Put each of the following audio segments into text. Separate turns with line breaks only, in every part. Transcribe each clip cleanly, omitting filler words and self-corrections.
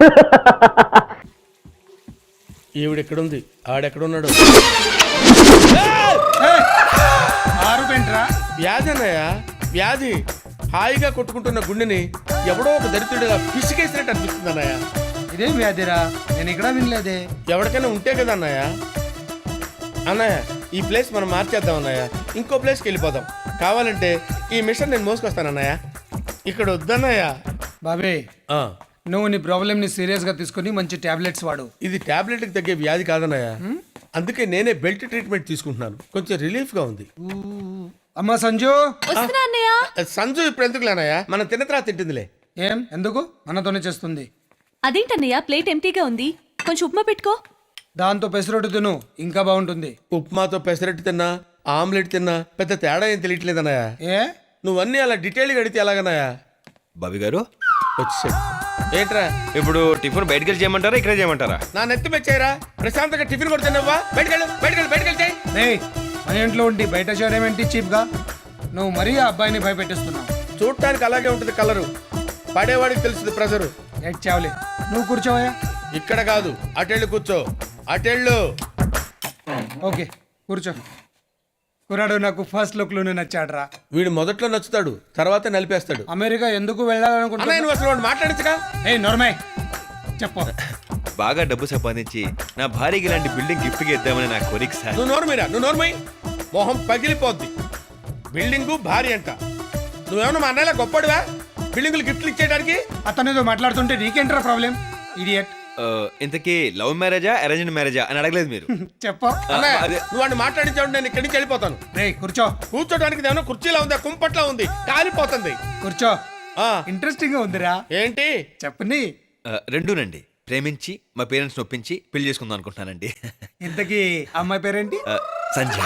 ఈవిడెక్కడుంది, ఆడెక్కడున్నాడు? వ్యాధి అన్నయ్య, వ్యాధి. హాయిగా కొట్టుకుంటున్న గుండెని ఎవడో ఒక దరిద్రుడిగా పిసికేసినట్టు అనిపిస్తుంది అన్నయ్య.
ఇదేం వ్యాధిరా, నేను ఇక్కడ వినలేదే.
ఎవరికైనా ఉంటే కదా అన్నయ్య. అన్నయ్య, ఈ ప్లేస్ మనం మార్చేద్దాం అన్నయ్య, ఇంకో ప్లేస్కి వెళ్ళిపోదాం. కావాలంటే ఈ మిషన్ నేను మోసుకొస్తాను అన్నయ్య, ఇక్కడ వద్దన్నయ్య.
బాబే, నువ్వు నీ ప్రాబ్లమ్ని సీరియస్గా తీసుకుని మంచి టాబ్లెట్స్ వాడు.
ఇది టాబ్లెట్కి తగ్గే వ్యాధి కాదన్నయ్య, అందుకే నేనే బెల్ట్ ట్రీట్మెంట్ తీసుకుంటున్నాను. కొంచెం రిలీఫ్గా ఉంది.
అమ్మా సంజు.
సంజు ఇప్పుడు ఎందుకు లేనయ్యా, మనం తిన్న తర్వాత తింటుందిలే.
ఏం ఎందుకు, మనతోనే చేస్తుంది.
అదేంటన్నయ్య, ప్లేట్ ఎంటీగా ఉంది, కొంచెం ఉప్మా పెట్టుకో.
దాంతో పెసరొట్టు తిను, ఇంకా బాగుంటుంది.
ఉప్మాతో పెసరట్టు తిన్నా, ఆమ్లెట్ తిన్నా పెద్ద తేడా ఏం తెలియట్లేదన్నయ్య.
ఏ
నువ్వన్నీ అలా డీటెయిల్గా అడిగితే ఎలాగన్నయ్యా?
బాబీ గారు
వచ్చేసాడు. ఏంట్రా
ఇప్పుడు టిఫిన్ బయటకు వెళ్ళి చేయమంటారా, ఇక్కడే చేయమంటారా?
నా నెత్తి మెచ్చాయిరా, ప్రశాంతంగా టిఫిన్ కూడా తిన్నావా? బయటకెళ్ళి
ఏయ్, మన ఇంట్లో ఉండి బయట చేయడం ఏంటి చీప్గా? నువ్వు మరీ ఆ అబ్బాయిని భయపెట్టిస్తున్నావు.
చూడటానికి అలాగే ఉంటుంది కలరు, పడేవాడికి తెలుస్తుంది ప్రెజరు.
చావులే, నువ్వు కూర్చోవయ్యా.
ఇక్కడ కాదు, అటెళ్ళు కూర్చో, అటెళ్ళు.
ఓకే కూర్చో. కుర్రాడు నాకు ఫస్ట్ లుక్ లోనే నచ్చాడ్రా.
వీడు మొదట్లో నచ్చుతాడు, తర్వాత నలిపేస్తాడు.
అమెరికా ఎందుకు వెళ్ళాలనుకుంటున్నా?
నువ్వు అసలు వాడు మాట్లాడించగా.
ఏ నోర్మై చెప్పు.
బాగా డబ్బు సంపాదించి నా భార్యకి ఇలాంటి బిల్డింగ్ గిఫ్ట్ గా ఇద్దామని నా కోరిక సార్.
నువ్వు నోర్మై, మొహం పగిలిపోద్ది. బిల్డింగు భారీ అంట. నువ్వేమన్నా మా అన్నయ్యలా గొప్పడివా బిల్డింగులు గిఫ్ట్లు ఇచ్చేయడానికి?
అతనితో మాట్లాడుతుంటే నీకేంట్రా ప్రాబ్లం, ఇడియట్?
ఇంతకీ లవ్ మ్యారేజా అరేంజ్డ్ మ్యారేజా అని అడగలేదు మీరు.
చెప్పు.
నువ్వు వాడిని మాట్లాడించావు, నేను ఇక్కడి నుంచి వెళ్ళిపోతాను.
కూర్చో.
కూర్చోడానికి ఏమన్నా కుర్చీలా ఉందా, కుంపట్లా ఉంది, కాలిపోతుంది.
కూర్చో. ఇంట్రెస్టింగ్ గా ఉందిరా.
ఏంటి
చెప్పని?
రెండూనండి. ప్రేమించి మా పేరెంట్స్ ఒప్పించి పెళ్లి చేసుకుందాం అనుకుంటున్నానండి.
ఇంతకీ అమ్మాయి పేరేంటి?
సంజయ్.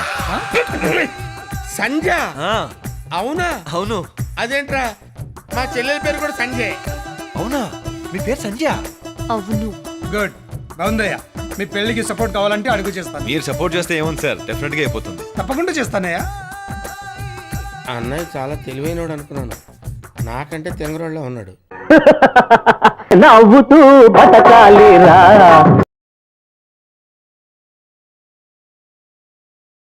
సంజయ్? అవునా?
అవును.
అదేంట్రా, మా చెల్లెల పేరు కూడా సంజయ్.
అవునా, మీ పేరు సంజయ్?
అవును.
గుడ్, బాగుందయ్యా. మీ పెళ్లికి సపోర్ట్ కావాలంటే అడుగు చేస్తాను.
మీరు సపోర్ట్ చేస్తే ఏముంది సార్, డెఫినెట్ గా అయిపోతుంది.
తప్పకుండా చేస్తానయ్యా.
అన్నయ్య చాలా తెలివైనోడు అనుకున్నాను, నాకంటే తెంగరోళ్ళ ఉన్నాడు.
నవ్వుతూ బతకాలిరా.